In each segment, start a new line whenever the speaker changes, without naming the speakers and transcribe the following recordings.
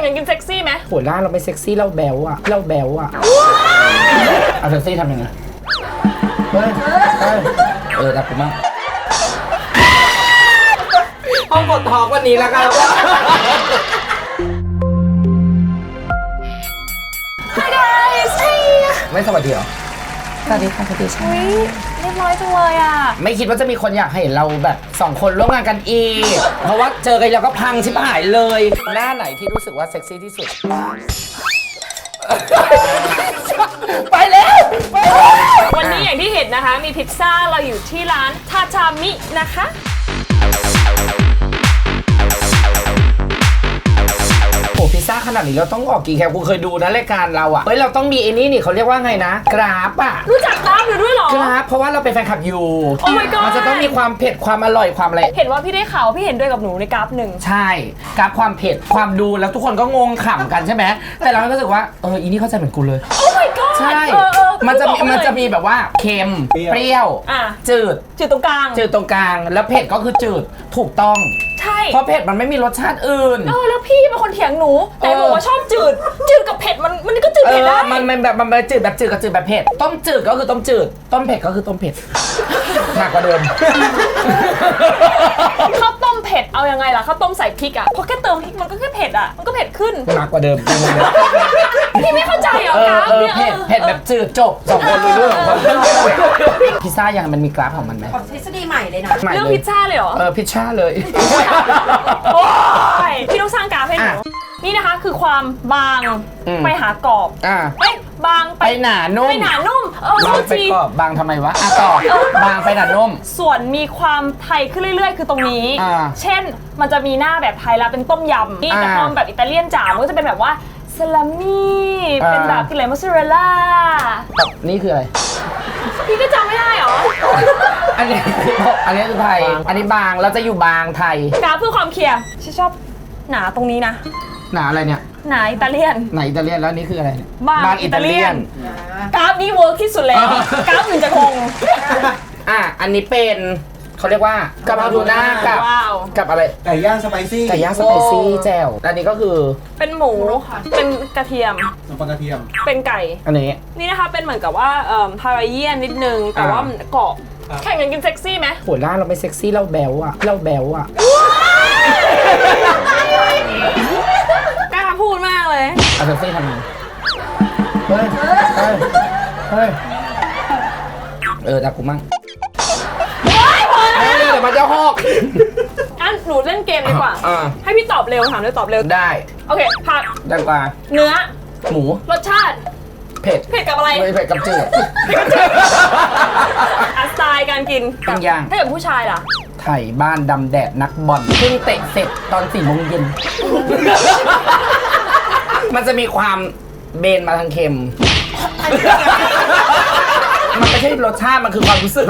กันกินเซ็กซี่ไหม
หัวหน้าเราไม่เซ็กซี่เราแบวอะเราแบวอะเอาเซ็กซี่ทำยังไงรักกูมากห้องกดทอกวันนี้แล้วกันไม่สวัสดีเหรอสวัสดีค่ะสวัสดีค่ะ
เรียบร้อยจังเลยอ่ะ
ไม่คิดว่าจะมีคนอยากเห็นเราแบบ2 คนร่วมงานกันอีกเพราะว่าเจอกันแล้วก็พังชิบหายเลยหน้าไหนที่รู้สึกว่าเซ็กซี่ที่สุดไปแล้ว
วันนี้อย่างที่เห็นนะคะมีพิซซ่าเราอยู่ที่ร้านทาชามินะคะ
โอ้พิซซ่าขนาดนี้เราต้องออกกี่แคปกูเคยดูนะรายการเราอ่ะเฮ้ยเราต้องมีไอ้นี่นี่เขาเรียกว่าไงนะกราฟอ่ะ
รู้จักกราฟอยู่ด้วยเหรอก
ราฟเพราะว่าเราเป็นแฟนคลับอยู่
Oh my god
มันจะต้องมีความเผ็ดความอร่อยความอะไร
เห็นว่าพี่ได้ข่าวพี่เห็นด้วยกับหนูในกราฟหนึ่ง
ใช่กราฟความเผ็ดความดูแล้วทุกคนก็งงขำกันใช่ไหมแต่เราก็รู้สึกว่าอีนี่เข้าใจเหมือนกูเลย
Oh my god
ใช่มันจะมีแบบว่าเค็มเปรี้ยวจืด
ตรงกลาง
แล้วเผ็ดก็คือจืดถูกต้อง
ใช่
เพราะเผ็ดมันไม่มีรสชาติอื่น
แล้วพี่เป็นคนเถียงหนูแต่บอกว่าชอบจืดกับเผ็ดมันก็จืดเผ็ดได้
มันแบบจืดแบบจืดกับจืดแบบเผ็ดต้มจืดก็คือต้มจืดต้มเผ็ดก็คือต้มเผ็ดหนักกว่าเดิม
ข้าวต้มเผ็ดเอายังไงล่ะข้าวต้มใส่พริกอ่ะเพราะแค่เติมพริกมันก็แค่เผ็ดอ่ะมันก็เผ็ดขึ้น
หนักกว่าเดิม
พี่ไม่เข้าใจเหรอกราฟเนี่ย
เผ็ดแบบจืดจบ2 คนรู้เรื่องพิซซ่ายังมันมีกราฟของมันไหม
ทฤษฎีใหม่เลยนะ
เรื่องพิซซ่าเลยเหรอ
พิซซ่าเลย
พี่ต้องสร้างกราฟให้หนูนี่นะคะคือความบางไปหากรอบบาง
ไปหนานุ่มบางไปกรอบบางทำไมวะต่อบางไปหนานุ่ม
ส่วนมีความไทยขึ้นเรื่อยๆคือตรงนี้เช่นมันจะมีหน้าแบบไทยแล้วเป็นต้มยำนี่แต่พอแบบอิตาเลียนจ๋ามันก็จะเป็นแบบว่าซาลามี่เป็นแบบกินอะไรมอสซาเรลล่า
นี่คืออะไร
พี่ก็จำไม่ได้หรอ
อันนี้คือไทยอันนี้บางเราจะอยู่บางไทย
กราฟเพื่อความเคลียร์ฉันชอบหนาตรงนี้นะ
หนาอะไรเนี่ย
หนาอิตาเลียน
แล้วนี่คืออะไร
บางอิตาเลียนกราฟนี้เวิร์กที่สุดแล้วกราฟอื่นจะงง
อันนี้เป็นเขาเรียกว่ากะเพราทูน่ากับอะไร
ไก่ย่างสไปซี่
แจ่วอันนี้ก็คือ
เป็นหมูเป็นกระเทียมเป็นไก่
อันนี้
นี่นะคะเป็นเหมือนกับว่าพาราเยียนนิดนึงแต่ว่ามันกรอบแข่งกันกินเซ็กซี่ไหม
หัวหน้าเราไม่เซ็กซี่เราแบวอะ
กล้าพูดมากเลย
เอาเซ็กซี่ทำไงดักกูมั่งเดี๋ยวมันจะหอก
หนูเล่นเกมดีกว่าให้พี่ตอบเร็วถามเลยตอบเร็ว
ได้
โอเคผัก
ดังกว่า
เนื้อ
หมู
รสชาติ
เผ็ด
กับอะไร
เผ็ดกับจืด
สไตล์การกิน
ต้องย่าง
ถ้าเกิดผู้ชายล่ะ
ไทยบ้านดำแดดนักบอลเพิ่งเตะเสร็จตอน4 โมงเย็นมันจะมีความเบนมาทางเค็มมันไม่ใช่รสชาติมันคือความรู้สึก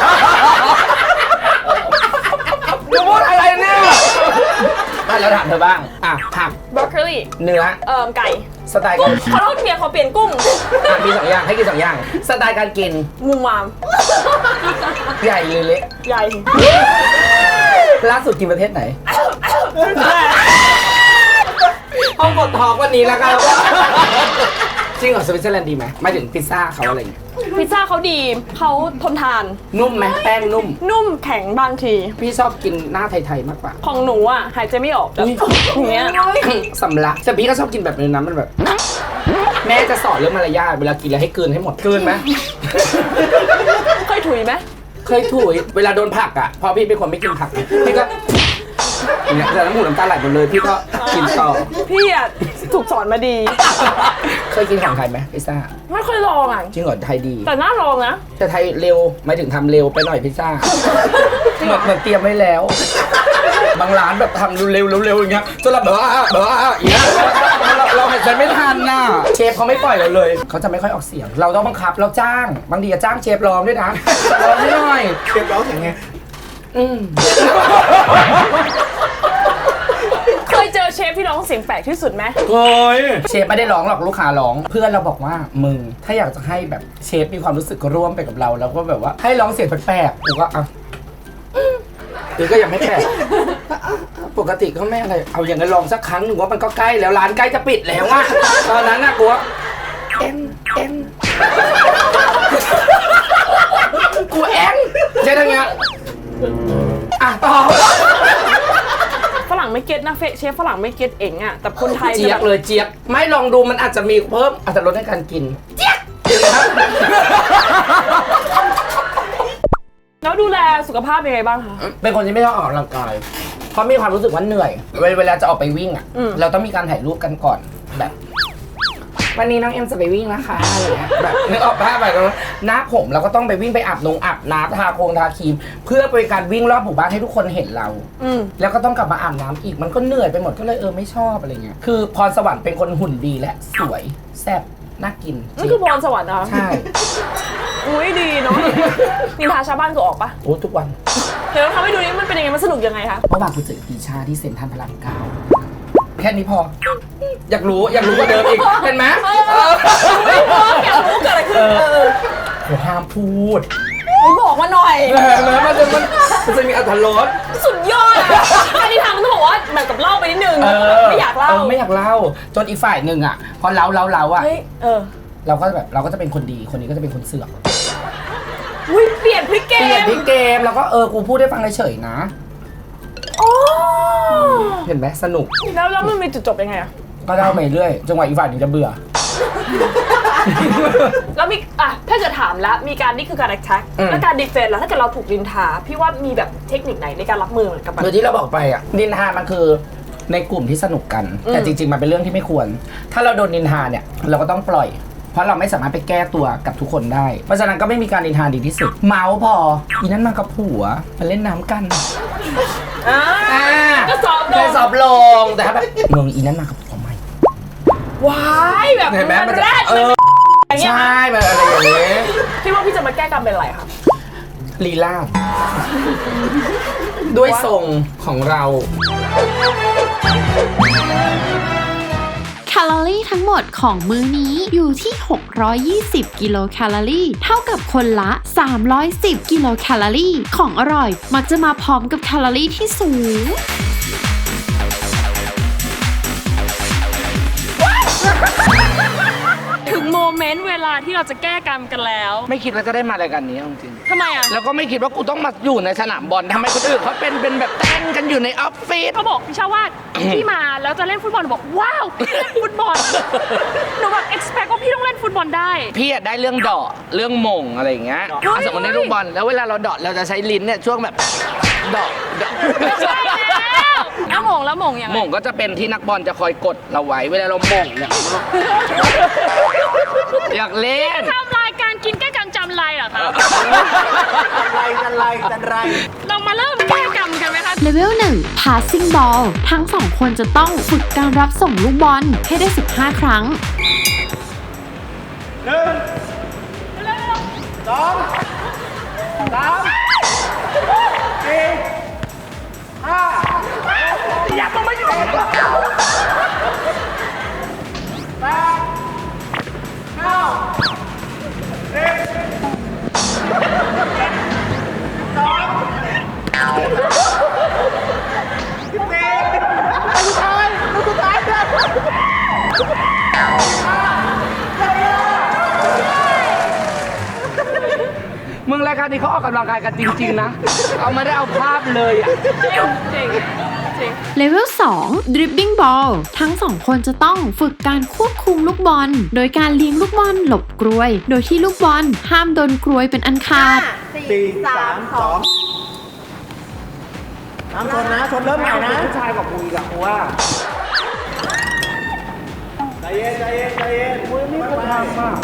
จะพูดอะไรเนี่ยแล้วถามเธอบ้างผัก
บรอกโคลี
เนื้อ
ไก่
สไตล์
กุ้งขอโทษเมียเขาเปลี่ยนกุ้ง
มี2 อย่างให้กิน2 อย่างสไตล์การกิน
มุมมาม
ใหญ่หรือเล็ก
ใหญ่
ล่าสุดกินประเทศไหนห้องกดทอกวันนี้แล้วกันจริงเหรอสวิตเซอร์แลนด์ดีไหมไม่ถึงพิซซ่าเขาอะไรอย่างเงี้ย
พิซซ่าเขาดีเขาทนทาน
นุ่มไหมแป้ง
นุ่มแข็งบางที
พี่ชอบกินหน้าไทยๆมากกว่า
ของหนูอ่ะหายใจไม่ออกอย่างเงี้ย
สำลักแต่พี่ก็ชอบกินแบบนั้นมันแบบแม่จะสอนเรื่องมารยาทเวลากินแล้วให้กลืนให้หมดกลืนไหม
เคยถุยไหม
เคยถุยเวลาโดนผักอ่ะพอพี่เป็นคนไม่กินผักพี่ก็เนี่ยแต่น้ำมูกน้ำตาไหลหมดเลยพี่ก็กินต่อ
พี่อ่ะถูกสอนมาดี
เคยกินของไทยไหมพิซซ่า
ไม่เคยลองอ่ะ
จริงเหรอไทยดี
แต่น่าลองนะ
แต่ไทยเร็วหมายถึงทำเร็วไปหน่อยพิซซ่าเหมือนเตรียมไว้แล้วบางร้านแบบทำเร็วอย่างเงี้ยจนเราอย่างเงี้ยเราหายใจไม่ทันน่ะเชฟเขาไม่ปล่อยเราเลยเขาจะไม่ค่อยออกเสียงเราต้องบังคับเราจ้างบางทีจะจ้างเชฟร้องด้วยนะร้องให้หน่อย
เชฟร้องอย่างไง
เคยเจอเชฟที่ร้องเสียงแปลกที่สุดไหม
เคยเชฟไม่ได้ร้องหรอกลูกค้าร้องเพื่อนเราบอกว่ามึงถ้าอยากจะให้แบบเชฟมีความรู้สึกร่วมไปกับเราแล้วก็แบบว่าให้ร้องเสียงแปลกๆกูก็หรือก็ยังไม่แปลกปกติก็ไม่อะไรเอาอย่างนั้นลองสักครั้งหนึ่งว่ามันก็ใกล้แล้วร้านใกล้จะปิดแล้วอะตอนนั้นน่ะกูว่ากูใช่ทั้งเงี้ยอ่ะต่อ
ฝรั่งไม่เก็ตนะเชฟฝรั่งไม่เก็ตเองอะแต่คนไทย
เจี๊ยบเลยเจี๊ยบไม่ลองดูมันอาจจะมีเพิ่มอาจจะลดในการกินเจี๊ยบ
แล้วดูแลสุขภาพยังไงบ้างคะ
เป็นคนที่ไม่ชอบออกกำลังกายเพราะมีความรู้สึกว่าเหนื่อยเวลาจะออกไปวิ่งอ่ะเราต้องมีการถ่ายรูปกันก่อนแบบวันนี้น้องเอ็มจะไปวิ่งนะคะอะไรเงี้ยแบบนึกออกป่ะแบบหน้าผมเราก็ต้องไปวิ่งไปอาบน้ำทาครีมเพื่อเป็นการวิ่งรอบหมู่บ้านให้ทุกคนเห็นเราแล้วก็ต้องกลับมาอาบน้ำอีกมันก็เหนื่อยไปหมดก็เลยไม่ชอบอะไรเงี้ยคือพรสวรรค์เป็นคนหุ่นดีและสวยแซ่บน่ากิน
นี่คือพรสวรรค์นะ
ใช่
อุ้ยดีเนาะนินทาชาวบ้านกูออกปะ
โอ้ทุกวัน
เดี๋ยวทำให้ดูนี่มันเป็นยังไงมันสนุกยังไงคะ
เมื่อวานกูเจอปีชาที่เซ็นทรัลพระรามเก้าแค่นี้พออยากรู้กว่าเดิมอีกเห็นไหม
ไม่พออยากรู้เกิดอะไรขึ้น
ห้ามพูด
ไม่บอกมาหน่อย
มันจะมีอรรถรส
สุดยอดอันนี้ทำต้องบอกว่าเหมือนกับเล่าไปนิดนึงไม่อยากเล่า
จนอีกฝ่ายหนึ่งอ่ะพอเราอ่ะเราก็จะเป็นคนดีคนนี้ก็จะเป็นคนเสือก
เปลี่ยนพลิกเก
มแล้วก็กูพูดให้ฟังเฉยๆนะเห็นไหมสนุก
แล้วมันมีจุดจบยังไงอ่ะ
ก็เล่าไปเรื่อยจังหวะอีกฝ่ายหนึ่งจะเบื่อ
แล้วมีถ้าเกิดถามแล้วมีการนี่คือการ attack แล้วการ defense แล้วถ้าเกิดเราถูกนินทาพี่ว่ามีแบบเทคนิคไหนในการรับมือกับมัน
โดยที่เราบอกไปอ่ะนินทามันคือในกลุ่มที่สนุกกันแต่จริงๆมันเป็นเรื่องที่ไม่ควรถ้าเราโดนนินทาเนี่ยเราก็ต้องปล่อยเพราะเราไม่สามารถไปแก้ตัวกับทุกคนได้เพราะฉะนั้นก็ไม่มีการนินทาดีที่สุดเมาพออีนั้นมากับผัวมาเล่นน้ำกัน
ก็
สอบลงแต่ถ้าแบบมึงอีนั้นมากับผัวใหม่
ว้ายแบบ
เห็นไหมมันแรกใช่แบบอะไรอย่างนี้
พี่ว่าพี่จะมาแก้กรรมเป็นอะไรครับ
ลีลาด้วยทรงของเรา
แคลอรี่ทั้งหมดของมื้อนี้อยู่ที่620กิโลแคลอรี่เท่ากับคนละ310กิโลแคลอรี่ของอร่อยมักจะมาพร้อมกับแคลอรี่ที่สูง
ถึงโมเมนต์เวลาที่เราจะแก้กรรมกันแล้ว
ไม่คิดว่าจะได้มารายการนี้จริง
ทำไมอ่ะ
แล้วก็ไม่คิดว่ากูต้องมาอยู่ในสนามบอลทำไมคนอื่นเขาเป็นแบบเต้นกันอยู่ในออฟฟิศ
เขาบอกพี่ชาว่าพี่มาแล้วจะเล่นฟุตบอลบอกว้าวพี่เล่นฟุตบอลหนูแบบ expect ว่าพี่ต้องเล่นฟุตบอลได้
พี่ได้เรื่องเดาะเรื่องมงอะไรอย่างเงี้ยสมมติในลูกบอลแล้วเวลาเราเดาะเราจะใช้ลิ้นเนี่ยช่วงแบบเดาะ
ใช่แล้วมงยังไง
มงก็จะเป็นที่นักบอลจะคอยกดเราไว้เวลาเรามงเนี่ยอยากเล่น
ทำรายการกินแก้กรรมจำไรเหรอครับ
จันไร
เรามาเริ่มแก้กรรมกันไหมคะ
เลเวล 1 passing ball ทั้ง2คนจะต้องฝึกการรับส่งลูกบอลให้ได้15ครั้ง
1 2 3 4 5อย่าต้องมาอยู่8 9 มึงรายการนี้เขาออกกำลังกายกันจริงๆนะเอาไม่ได้เอาภาพเลยอ่ะ
จริง
เลเวล 2 dribbling ball ทั้ง2คนจะต้องฝึกการควบคุมลูกบอลโดยการเลี้ยงลูกบอลหลบกรวยโดยที่ลูกบอลห้ามโดนกรวยเป็นอันขาด
4 3 2น้ำชนนะชนเริ่มใหม่นะ
ผู้ชายกับกูอีกอะกูว่า
ใจเย็น
มึงนี่ก็ทำอ่ะ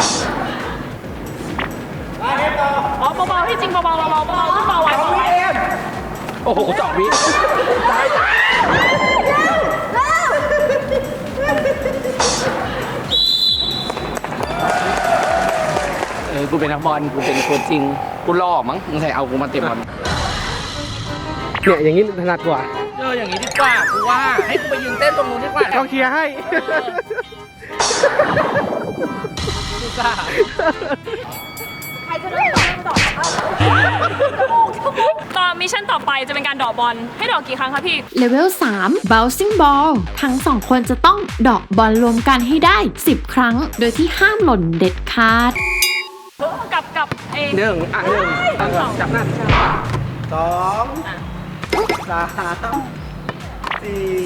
อ๋อเบาๆที่จริงเบาๆขึ้นเบาไว้
โอ้โห2 วิตายกูเป็นนักบอลกูเป็นตัวจริงกูล่อมั้งมึงใส่เอากูมาเตะบอลเนี่ยอย่างนี้ถนัดกว่าอย่างนี้ดีกว่ากูว่าให้กูไปยืนเต้นตรงนู้นดีกว่า
เขาเคลียร์ให้
ใครจะเล่นต่อต่อมิชชั่นต่อไปจะเป็นการเดอกบอลให้เดอกกี่ครั้งคะพี่
เลเวล 3 bouncing ball ทั้ง 2 คนจะต้องเดอกบอลรวมกันให้ได้ 10 ครั้ง โดยที่ห้ามหล่นเด็ดขาด
กับเอ
หนึ่งจับหน้า
2 3 4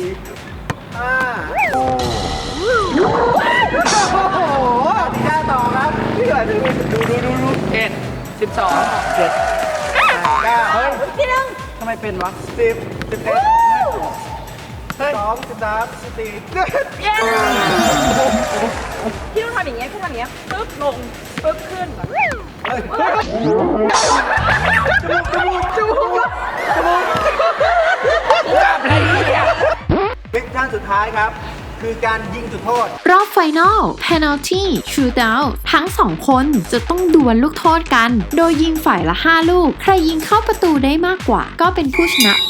5 โอ้โหที่แค่ต่อครับพี่หน่อยดู
7 12
9 เฮ้ย
พี่นึง
ทำไมเป็นวะ
10 11 12 13 14
เย้พี่ต้องทำอย่างเงี้ยพี่ทำอย่างเงี้ยปึ๊บลงปึ๊บขึ้นแบบ
จมูก
จับอะไรเนี่ย
มิชชั่นสุดท้ายครับ คือการยิงจุดโทษ
รอบไฟนอล penalty shootout ทั้ง 2 คนจะต้องดวลลูกโทษกัน โดยยิงฝ่ายละ 5 ลูก ใครยิงเข้าประตูได้มากกว่า ก็เป็นผู้ชนะไป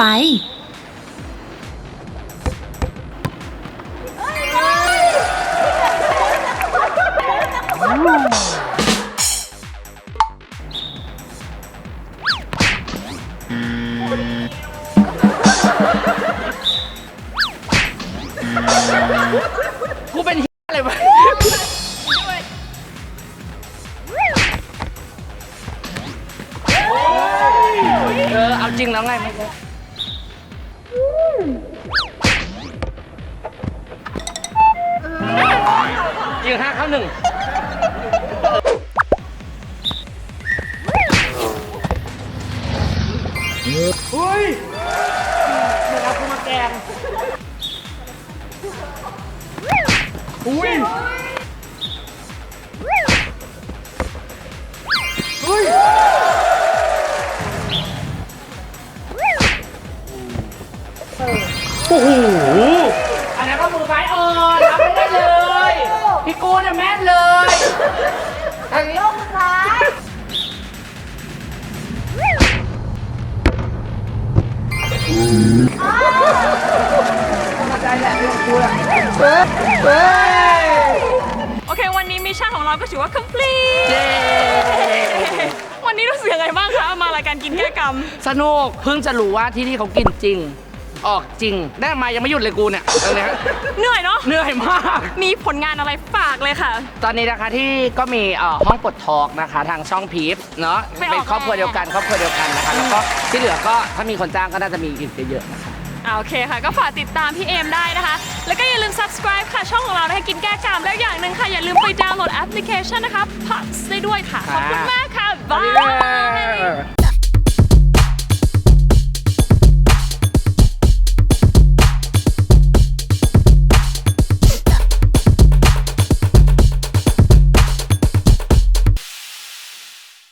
กูเป็นอะไรวะเอาจริงแล้วไงไม่ใช่ยิง5 เข้า 1เฮ้ยมันเอากูมาแกงอุ้ยเฮ้ยโอ้โหอันนั้นก็มือซ้ายรับไม่ได้เลยพี่กูเนี่ยแม่นเลยทางนี้มือซ้ายใจแหละพี่กูอะ
โอเควันนี้มิชชั่นของเราก็ถือว่า complete วันนี้รู้สึกยังไงบ้างคะมารายการกินแก้กรรม
สนุกเพิ่งจะรู้ว่าที่นี่เขากินจริง ออกจริงได้มายังไม่หยุดเลยกูเนี่ยตอนนี้
เหนื่อยเนาะ
เหนื่อยมาก
มีผลงานอะไรฝากเลยค่ะ
ตอนนี้นะคะที่ก็มีห้องปลดทอกนะคะทางช่องพีฟเนาะ
ไปออก
เป็นครอบครัวเดียวกันนะคะแล้วก็ที่เหลือก็ถ้ามีคนจ้างก็น่าจะมีอีกเยอะๆนะคะ
โอเคค่ะ ก็ฝากติดตามพี่เอมได้นะคะ แล้วก็อย่าลืม subscribe ค่ะ ช่องของเรานะคะกินแก้กรรมแล้วอย่างหนึ่งค่ะ อย่าลืมไปดาวน์โหลดแอปพลิเคชันนะคะ Pucks ได้ด้วยค่ะ ขอบคุณมากค่ะ บ๊ายบาย